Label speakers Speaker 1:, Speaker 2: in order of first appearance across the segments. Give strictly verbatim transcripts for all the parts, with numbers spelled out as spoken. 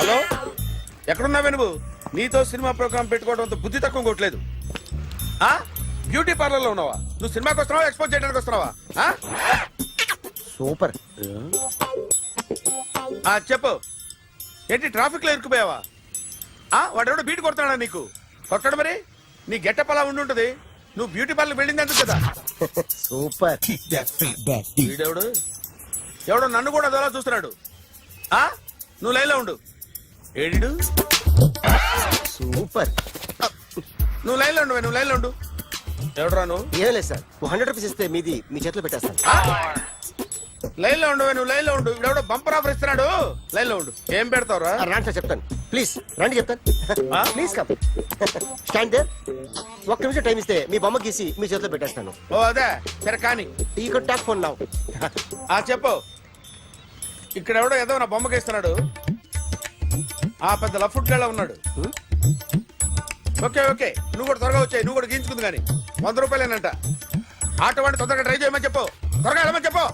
Speaker 1: Hello, ఎక్కడున్నావే నువ్వు? నీతో cinema programme పెట్టుకోవడంతో బుద్ధి తక్కువ కొట్టలేదు. ఆ బ్యూటీ పార్లర్ లో ఉన్నావా? నువ్వు సినిమాకి వస్తున్నావా, ఎక్స్పోజ్ చేయడానికి వస్తున్నావా?
Speaker 2: సూపర్.
Speaker 1: ఆ చెప్పు, ఏంటి ట్రాఫిక్ లో ఇరుక్కుపోయావా? ఆ వాడెవడో బీట్ కొడతాడా నీకు? కొట్టడు మరి. నీ గెట్టప్ అలా ఉండి ఉంటది. నువ్వు బ్యూటీ పార్లర్ వెళ్ళింది అంత కదా.
Speaker 2: సూపర్.
Speaker 1: వీడెవడు ఎవడో నన్ను కూడా అదోలా చూస్తున్నాడు. ఆ నువ్వు లైన్లో ఉండు. ఏడు
Speaker 2: సూపర్.
Speaker 1: నువ్వు లైన్లో ఉండు, నువ్వు లైన్లో ఉండు. ఎవడరా నువ్వు?
Speaker 2: ఏం లేదు సార్, హండ్రెడ్ రూపీస్ ఇస్తే మీది మీ చేతిలో పెట్టేస్తాను.
Speaker 1: లైన్ లో ఉండు, నువ్వు లైన్ లో ఉండు. ఎవడో బంపర్ ఆఫర్ ఇస్తున్నాడు. లైన్ లో ఉండు. ఏం పెడతావురా?
Speaker 2: రాండి సార్ చెప్తాను. ప్లీజ్ రండి చెప్తాను. Please come. Stand there. ఒక్క నిమిషం టైం ఇస్తే మీ బొమ్మ గీసి మీ చేతిలో పెట్టేస్తాను.
Speaker 1: ఓ అదే సరే కానీ.
Speaker 2: ఈ కుడ్ టాక్ ఫోన్ నౌ.
Speaker 1: ఆ చెప్పు. ఇక్కడ ఎవడో ఏదో నా బొమ్మకి ఇస్తున్నాడు. ఆ పెద్ద లఫుట్ గళ్ళ ఉన్నాడు. ఓకే ఓకే, నువ్వు కూడా త్వరగా వచ్చాయి. నువ్వు కూడా గీంచుకుంది కానీ వంద రూపాయలేనంట. ఆటో వాడిని తొందరగా ట్రై చేయమని చెప్పు. త్వరగా వెళ్ళమని చెప్పు.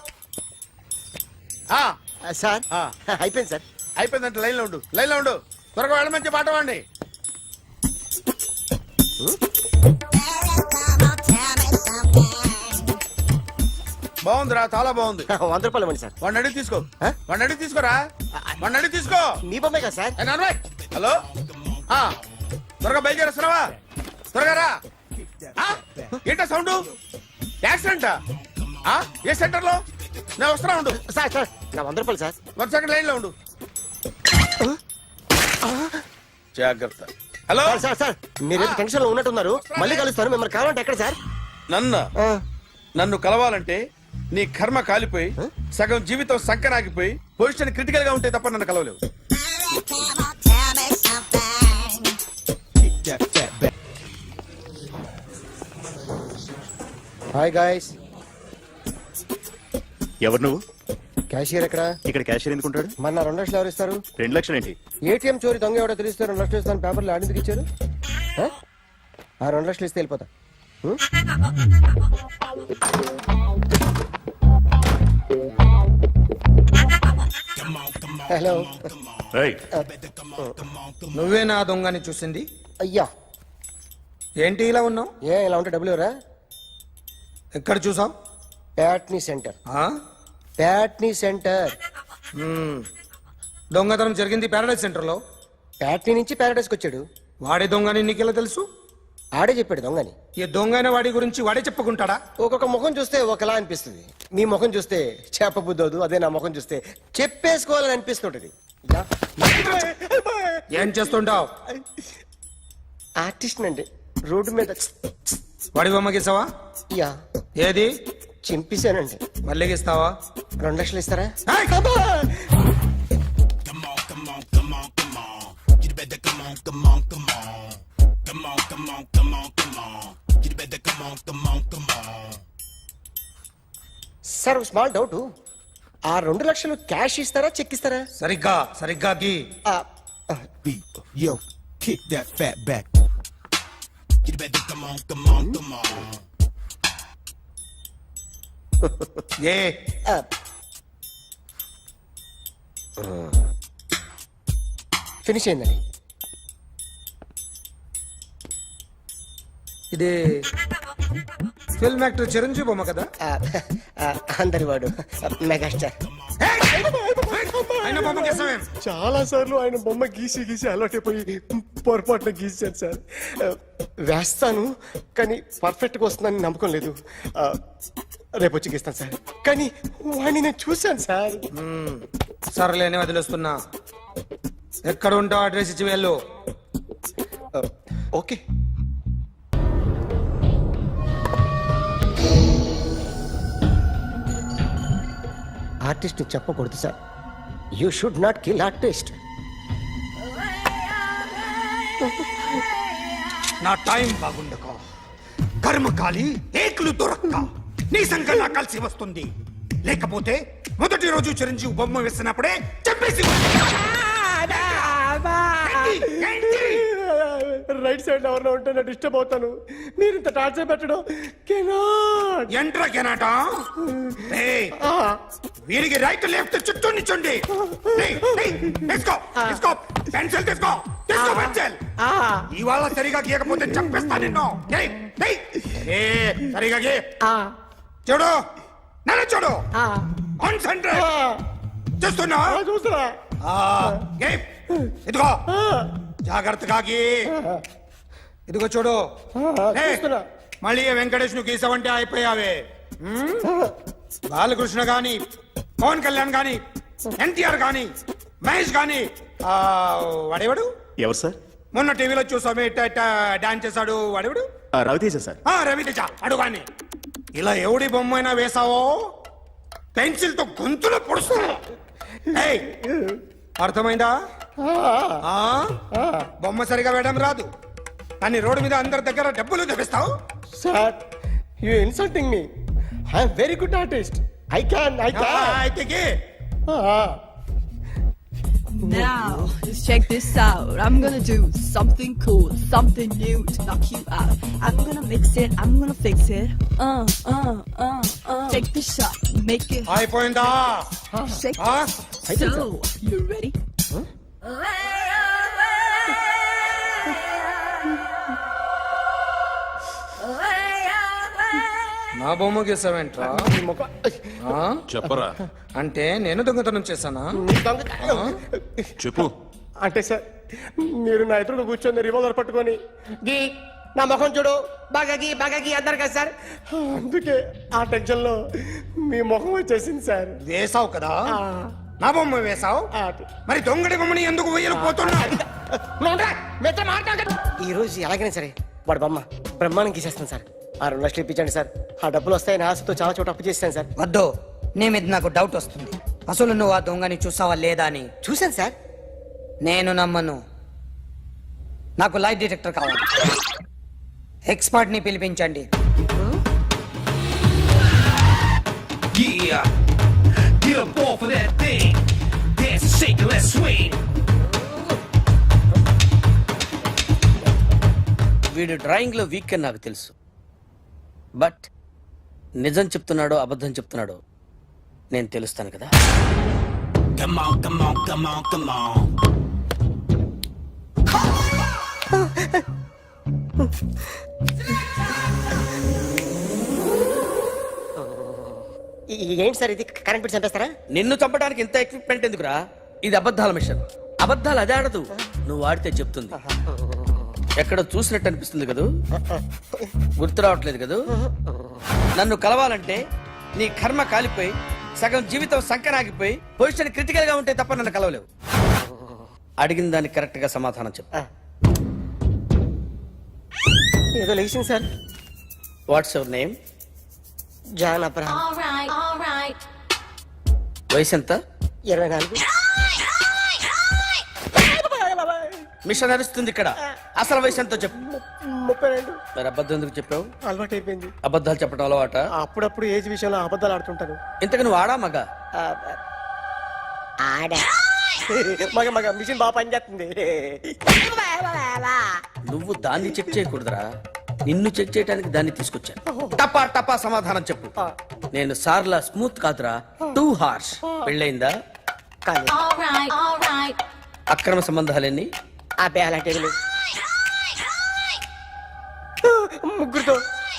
Speaker 2: సార్ అయిపోయింది సార్.
Speaker 1: అయిపోయిందంటే లైన్ లో ఉండు, లైన్ లో ఉండు. త్వరగా వెళ్ళమని చెప్పి ఆటో వాడిని. బాగుందిరా, చాలా బాగుంది.
Speaker 2: వంద రూపాయలు ఇవ్వండి సార్.
Speaker 1: వాడిని అడిగి తీసుకో. వాడిని అడిగి తీసుకోరా. వాడిని అడిగి తీసుకో.
Speaker 2: మీ బొమ్మే కదా సార్.
Speaker 1: హలో, త్వరగా బయలుదేరేస్తున్నావా? త్వరగా రా. ఏంటా సౌండ్? యాక్సిడెంటా? ఏ సెంటర్ లో? నేను వస్తున్నా ఉండు.
Speaker 2: సార్ సార్ నా వంద రూపాయలు సార్.
Speaker 1: వన్ సెకండ్ లైన్ లో ఉండు. జాగ్రత్త. హలో
Speaker 2: సార్ సార్ మీరు టెన్షన్ లో ఉన్నట్టున్నారు. మళ్ళీ కలుస్తాను. మిమ్మల్ని కావాలంటే ఎక్కడ సార్?
Speaker 1: నన్ను నన్ను కలవాలంటే నీ కర్మ కాలిపోయి సగం జీవితం సంకనాగిపోయి పొజిషన్ క్రిటికల్ గా ఉంటే తప్ప నన్ను కలవలేవు.
Speaker 2: Hi guys.
Speaker 3: ఎవరు నువ్వు?
Speaker 2: క్యాషియర్ ఎక్కడ?
Speaker 3: ఇక్కడ క్యాషియర్ ఎందుకుంటాడు?
Speaker 2: మన రెండు లక్షలు ఎవరు ఇస్తారు?
Speaker 3: రెండు లక్షలు ఏంటి?
Speaker 2: ఏటీఎం చోరీ దొంగ ఎవడో తెలిస్తే రెండు లక్షలు ఇస్తాను పేపర్లు ఆడిందుకు ఇచ్చారు. ఆ రెండు లక్షలు ఇస్తే వెళ్ళిపోతా. హలో.
Speaker 4: నువ్వే నా దొంగని చూసింది?
Speaker 2: అయ్యా
Speaker 4: ఏంటి ఇలా ఉన్నావు?
Speaker 2: ఏ ఇలా ఉంటే డబ్బులు ఎవరా?
Speaker 4: ఎక్కడ చూసావు?
Speaker 2: ప్యాట్నీ సెంటర్. ప్యాట్నీ సెంటర్.
Speaker 4: దొంగతనం జరిగింది ప్యారడైజ్ సెంటర్ లో.
Speaker 2: ప్యాట్నీ నుంచి ప్యారడైజ్కి వచ్చాడు.
Speaker 4: వాడే దొంగని నీకెలా తెలుసు?
Speaker 2: ఆడే చెప్పాడు దొంగని.
Speaker 4: ఈ దొంగైన వాడి గురించి వాడే చెప్పుకుంటాడా?
Speaker 2: ఒక్కొక్క ముఖం చూస్తే ఒకలా అనిపిస్తుంది. మీ ముఖం చూస్తే చెప్పబుద్దోదు. అదే నా ముఖం చూస్తే చెప్పేసుకోవాలని అనిపిస్తుంటది.
Speaker 4: ఏం చేస్తుంటావు?
Speaker 2: ఆర్టిస్ట్ అండి. రోడ్డు మీద
Speaker 4: వాడి బొమ్మ గీసావా?
Speaker 2: యా.
Speaker 4: ఏది?
Speaker 2: చింపేశానండి.
Speaker 4: మళ్ళీ గీస్తావా?
Speaker 2: రెండు లక్షలు ఇస్తారా? Sir small doubt. ఆ రెండు లక్షలు క్యాష్ ఇస్తారా చెక్ ఇస్తారా?
Speaker 4: సరిగ్గా సరిగ్గా గీ.
Speaker 5: Yo, kick that fat back. You better come on, come on, come on.
Speaker 4: ఏ
Speaker 2: ఫినిష్ అయిందండి.
Speaker 4: ఇది ఫిల్మ్ యాక్టర్ చిరంజీవి బొమ్మ కదా?
Speaker 2: అందరి వాడు మెగాస్టార్.
Speaker 4: ఆయన బొమ్మ గీసావేం?
Speaker 2: చాలా సార్లు ఆయన బొమ్మ గీసి గీసి అలవాటైపోయి పొరపాటున గీసాను సార్. వేస్తాను కానీ పర్ఫెక్ట్గా వస్తుందని నమ్మకం లేదు. రేపు వచ్చి గీస్తాను సార్. కానీ వాడిని నేను చూశాను సార్.
Speaker 4: సర్లేని వదిలేస్తున్నా. ఎక్కడ ఉంటావు అడ్రస్ ఇచ్చి వెళ్ళు.
Speaker 2: ఓకే. ఆర్టిస్ట్ చెప్పకూడదు sir. You should not kill artist.
Speaker 4: నా టైం బాగుండక కర్మకాలి ఏకులు దొరక్క నీ సంకల్లా కలిసి వస్తుంది. లేకపోతే మొదటి రోజు చిరంజీవి బొమ్మ వేసినప్పుడే చెప్పేసి
Speaker 2: రైట్ సైడ్ ఎవరిలో ఉంటే నేను డిస్టర్బ్ అవుతాను. మీరు ఇంత టార్చర్ పెట్టడం కెనాట్.
Speaker 4: ఎంట్రా కెనాట. వీరికి రైట్ లెఫ్ట్ చుట్టూ నిచ్చండి తీసుకో తీసుకో పెన్సిల్ తీసుకో తీసుకో పెన్సిల్ ఇవాళ సరిగా గీయకపోతే చంపేస్తా నిన్ను ఏయ్, ఏయ్. ఏ, సరిగా గీ చూడు నన్ను చూడు కాన్సంట్రేట్ చూస్తున్నా
Speaker 2: చూస్తున్నా
Speaker 4: ఆ, గీ. ఇదిగో జాగ్రత్తగా గీ ఇదిగో చూడు ఏయ్,
Speaker 2: చూస్తున్నా.
Speaker 4: మళ్ళీ వెంకటేష్ ను గీసావంటే అయిపోయావే హ్మ్? బాలకృష్ణ గాని పవన్ కళ్యాణ్ గాని ఎన్టీఆర్ గాని మహేష్ గాని ఆ, వాడేవాడు
Speaker 3: ఎవరు సార్?
Speaker 4: మొన్న టీవీలో చూసామే డాన్స్ చేశాడు వాడేవాడు
Speaker 3: ఆ, రవితేజ సార్.
Speaker 4: ఆ, రవితేజ అడుగాని ఇలా ఎవడి బొమ్మ అయినా వేసావో పెన్సిల్ తో గొంతులో పొడుస్తా ఏయ్, అర్థమైందా ఆ? బొమ్మ సరిగా వేయడం రాదు కానీ రోడ్డు మీద అందరి దగ్గర డబ్బులు తెప్పిస్తావు
Speaker 2: sir you insulting me I'm very good artist I can I
Speaker 4: ఆ,
Speaker 2: క్యాన్
Speaker 4: అయితే గీ.
Speaker 6: Now, just check this out. I'm gonna do something cool, something new to knock you out. I'm gonna mix it, I'm gonna fix it. Uh, uh, uh, uh. Take the shot, make it
Speaker 4: అయిపోయిందా
Speaker 6: shake.
Speaker 4: ఆ?
Speaker 6: So, you ready?
Speaker 4: నా బొమ్మ గీసావేంట్రా ఆ?
Speaker 3: చెప్పరా.
Speaker 4: అంటే నేను దొంగతనం చేశానా
Speaker 3: చెప్పు.
Speaker 2: అంటే సార్ మీరు నా ఎదురు కూర్చొని రివాల్వర్ పట్టుకొని గీ నా ముఖం చూడు బాగా గీ బాగా గీ అన్నారు కదా సార్ అందుకే ఆ టెన్షన్ లో మీ ముఖం వచ్చేసింది సార్
Speaker 4: వేసావు కదా నా బొమ్మ వేసావు
Speaker 2: ఆ,
Speaker 4: మరి దొంగడి బొమ్మని ఎందుకు వేయలు పోతున్నా
Speaker 2: ఈ రోజు ఎలాగైనా సరే వాడు బొమ్మ బ్రహ్మాండం గీసేస్తాను సార్ ఆ రెండు లక్షలు ఇప్పించండి సార్ ఆ డబ్బులు వస్తాయని ఆశతో చాలా చోట అప్పు చేస్తాను సార్
Speaker 7: వద్దు నీ మీద నాకు డౌట్ వస్తుంది అసలు నువ్వు ఆ దొంగని చూసావా లేదా అని
Speaker 2: చూశాను సార్
Speaker 7: నేను నమ్మను నాకు లైట్ డిటెక్టర్ కావాలి ఎక్స్పర్ట్ ని పిలిపించండి
Speaker 5: Yeah, get up off of that thing. Dance and shake and let's swing.
Speaker 8: వీడు డ్రాయింగ్ లో వీక్ అని నాకు తెలుసు బట్ నిజం చెప్తున్నాడో అబద్ధం చెప్తున్నాడో నేను తెలుస్తాను కదా
Speaker 5: Come on, come on, come on, come on.
Speaker 2: ఈ- ఈ- ఏంటి సార్ ఇది కరెంట్ బిల్ చంపేస్తారా
Speaker 8: నిన్ను చంపడానికి ఇంత ఎక్విప్మెంట్ ఎందుకురా ఇది అబద్ధాల మిషన్ అబద్ధాలు అదే ఆడదు నువ్వు ఆడితే చెప్తుంది ఎక్కడ చూసినట్టు అనిపిస్తుంది కదూ గుర్తు రావట్లేదు కదూ నన్ను కలవాలంటే నీ కర్మ కాలిపోయి సగం జీవితం సంకరాగిపోయి పొజిషన్ క్రిటికల్ గా ఉంటే తప్ప నన్ను కలవలేవు అడిగిన దానికి కరెక్ట్ గా సమాధానం చెప్పు
Speaker 2: ఏదో లేచింది sir
Speaker 8: what's your name
Speaker 2: John Abraham
Speaker 6: All right, all right.
Speaker 8: వయసు ఎంత
Speaker 2: ఇరవై నాలుగు
Speaker 8: మిషన్ నడుస్తుంది ఇక్కడ అసలు వయసు ఎంతో చెప్పు
Speaker 2: ముప్పై రెండు
Speaker 8: మరి అబద్ధం ఎందుకు చెప్పావు
Speaker 2: అలవాటు అయిపోయింది
Speaker 8: అబద్ధాలు చెప్పడం అలవాట
Speaker 2: అప్పుడప్పుడు ఏజ్ విషయంలో అబద్ధాలు ఆడుతుంటాను
Speaker 8: ఇంతకు నువ్వు ఆడా మగ
Speaker 2: ఆ, ఆడా మగ మగ మిషన్ బాగా పనిచేస్తుంది
Speaker 8: నువ్వు దాన్ని చెక్ చేయకూడదురా నిన్ను చెక్ చేయడానికి దాన్ని తీసుకొచ్చాను టపా టపా సమాధానం చెప్పు నేను సార్లా స్మూత్ కాదురా టూ హార్ష్ పెళ్ళయిందా
Speaker 2: కానీ
Speaker 6: All right, all right.
Speaker 8: అక్రమ సంబంధాలన్నీ
Speaker 2: అబ్బే అలాంటి ఏమీ లేవు. ముగ్గురుతో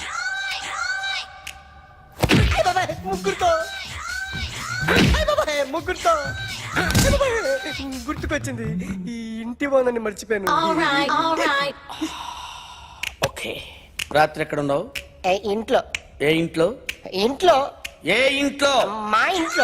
Speaker 2: అయ్ బాబాయ్, ముగ్గురుతో అయ్ బాబాయ్, ముగ్గురుతో అయ్ బాబాయ్, గుర్తుకొచ్చింది ఈ ఇంటి బాగుందని మర్చిపోయాను
Speaker 6: All right, all right.
Speaker 8: Okay రాత్రి ఎక్కడ ఉన్నావు
Speaker 2: ఏ, ఇంట్లో
Speaker 8: ఏ ఇంట్లో
Speaker 2: ఇంట్లో
Speaker 8: ఏ ఇంట్లో
Speaker 2: మా ఇంట్లో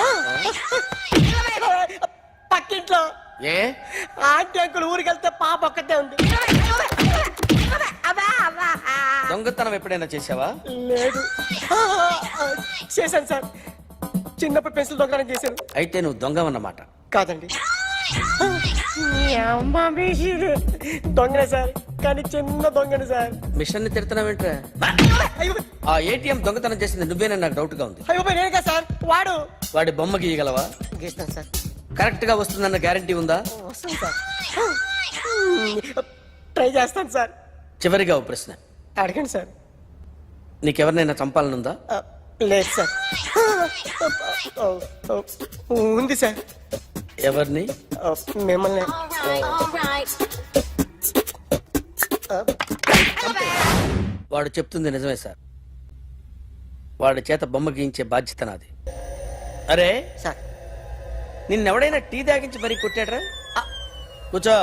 Speaker 2: పక్కింట్లో
Speaker 8: ఏ
Speaker 2: ఆంటీ అంకుల్ ఊరికి వెళ్తే పాప ఒక్కతే ఉంది అబ్బా, అబ్బా.
Speaker 8: దొంగతనం ఎప్పుడైనా చేసావా
Speaker 2: లేదు చేశాను సార్ చిన్నప్పుడు పెన్సిల్ దొంగతనం చేశాను
Speaker 8: అయితే నువ్వు దొంగవన్నమాట
Speaker 2: కాదండి మీ అమ్మ మీసిరు. దొంగనే సార్ కానీ చిన్న దొంగని సార్
Speaker 8: మిషన్ ని తిడుతున్నావేంట్రా
Speaker 2: అయ్యో
Speaker 8: ఆ ఏటీఎం దొంగతనం చేసింది నువ్వేనని నాకు డౌట్ గా ఉంది
Speaker 2: అయ్యో నేను కదా సార్ వాడు
Speaker 8: వాడి బొమ్మ గీయగలవా
Speaker 2: గీస్తాను సార్
Speaker 8: కరెక్ట్ గా వస్తుందన్న గ్యారంటీ ఉందా
Speaker 2: వస్తాను సార్ ట్రై చేస్తాను సార్
Speaker 8: చివరిగా ఓ ప్రశ్న
Speaker 2: అడగండి సార్
Speaker 8: నీకెవరినైనా చంపాలనుందా
Speaker 2: ఆ, లేదు సార్ ఉంది సార్
Speaker 8: ఎవరిని?
Speaker 2: మిమ్మల్ని
Speaker 8: వాడు చెప్తుంది నిజమే సార్. వాడి చేత బొమ్మ గీయించే బాధ్యత నాది. అరే
Speaker 2: సార్
Speaker 8: నిన్నెవడైనా టీ తాగించి మరీ కొట్టాడ్రా? కూర్చో.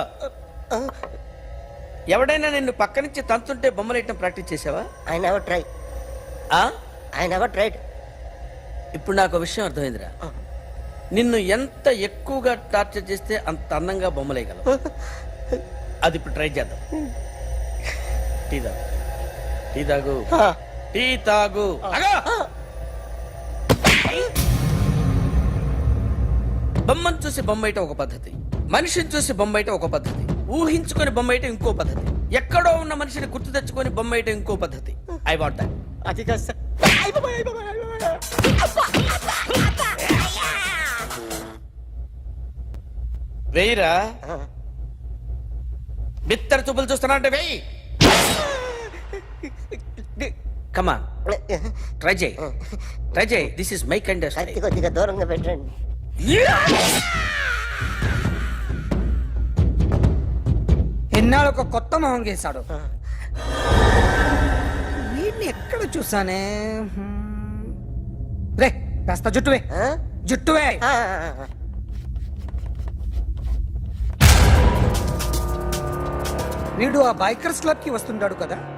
Speaker 8: ఎవడైనా నిన్ను పక్క నుంచి తంతుంటే బొమ్మలు వేయటం ప్రాక్టీస్ చేసావా?
Speaker 2: ఐ నెవర్ ట్రై
Speaker 8: ఆ?
Speaker 2: I never tried.
Speaker 8: ఇప్పుడు నాకు ఒక విషయం అర్థమైందిరా. నిన్ను ఎంత ఎక్కువగా టార్చర్ చేస్తే అంత అందంగా బొమ్మలేయగలవు. అది ఇప్పుడు ట్రై చేద్దాం. టీ తాగు, టీ తాగు, టీ తాగు. ఆగు! బొమ్మను చూసి బొమ్మ వేయటం ఒక పద్ధతి, మనిషిని చూసి బొమ్మ వేయటం ఒక పద్ధతి, ఊహించుకొని బొమ్మ వేయటం ఇంకో పద్ధతి, ఎక్కడో ఉన్న మనిషిని గుర్తు తెచ్చుకొని బొమ్మ వేయటం ఇంకో పద్ధతి. I want that.
Speaker 2: అది కాదు సార్.
Speaker 8: వెయ్యిరా. బిత్తర చూపులు చూస్తున్నా అంటే వెయ్యి. కమాన్, ట్రై చేయి, ట్రై చేయి. This is my kind of style.
Speaker 2: కొద్దిగా దూరంగా పెట్టండి.
Speaker 7: ఎన్నాళ్ళు ఒక కొత్త మొహం గీశాడు. వీడిని ఎక్కడ చూసానే? హ్మ్. రే కాస్త జుట్టువే, జుట్టువే. వీడు ఆ బైకర్స్ క్లబ్ కి వస్తుంటాడు కదా.